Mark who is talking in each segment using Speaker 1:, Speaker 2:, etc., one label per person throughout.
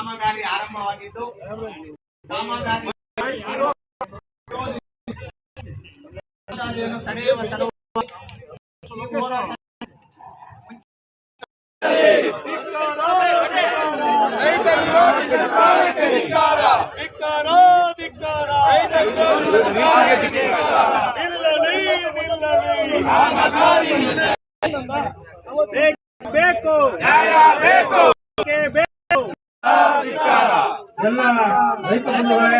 Speaker 1: ಕಾಮಗಾರಿ ಆರಂಭವಾಗಿದ್ದು ಕಾಮಗಾರಿ ತಡೆಯುವ ಸಲುವಾಗಿ
Speaker 2: ಬೇಕು ಎಲ್ಲ ರೈತ ಬಂಧುಗಳೇ,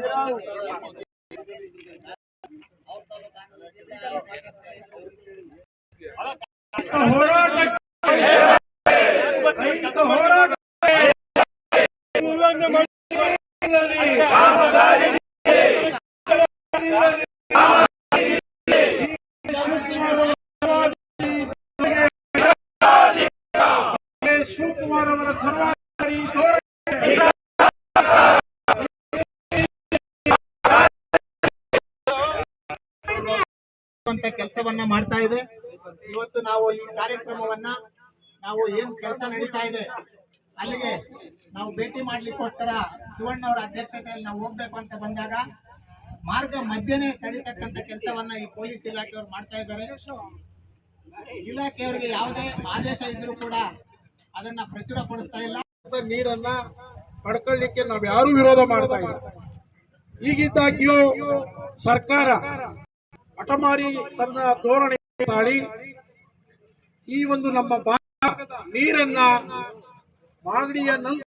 Speaker 2: ಶಿವಕುಮಾರ್ ಅವರ ಸರ್ವಾಧಿಕಾರಿ
Speaker 1: ಕೆಲಸವನ್ನ ಮಾಡ್ತಾ ಇದೆ. ಇವತ್ತು ನಾವು ಈ ಕಾರ್ಯಕ್ರಮವನ್ನ ನಾವು ಏನ್ ಕೆಲಸ ನಡೀತಾ ಇದೆ ಅಲ್ಲಿಗೆ ನಾವು ಭೇಟಿ ಮಾಡ್ಲಿಕ್ಕೋಸ್ಕರ ಶಿವಣ್ಣ ಅವರ ಅಧ್ಯಕ್ಷತೆಯಲ್ಲಿ ನಾವು ಹೋಗ್ಬೇಕು ಅಂತ ಬಂದಾಗ ಮಾರ್ಗ ಮಧ್ಯನೇ ತಡೀತಕ್ಕಂಥ ಕೆಲಸವನ್ನ ಈ ಪೊಲೀಸ್ ಇಲಾಖೆಯವರು ಮಾಡ್ತಾ ಇದ್ದಾರೆ. ಇಲಾಖೆಯವರಿಗೆ ಯಾವುದೇ ಆದೇಶ ಇದ್ರೂ ಕೂಡ ಅದನ್ನ ಪ್ರಚುರಪಡಿಸ್ತಾ ಇಲ್ಲ.
Speaker 2: ನೀರನ್ನ ಪಡ್ಕೊಳ್ಳಿಕ್ಕೆ ನಾವು ಯಾರು ವಿರೋಧ ಮಾಡ್ತಾ ಇಲ್ಲ. ಈಗಿದ್ದಾಗ್ಯೂ ಸರ್ಕಾರ ಹಠಮಾರಿ ತನ್ನ ಧೋರಣೆ ಮಾಡಿ ಈ ಒಂದು ನಮ್ಮ ಭಾಗದ ನೀರನ್ನ ಮಾಗಡಿಯ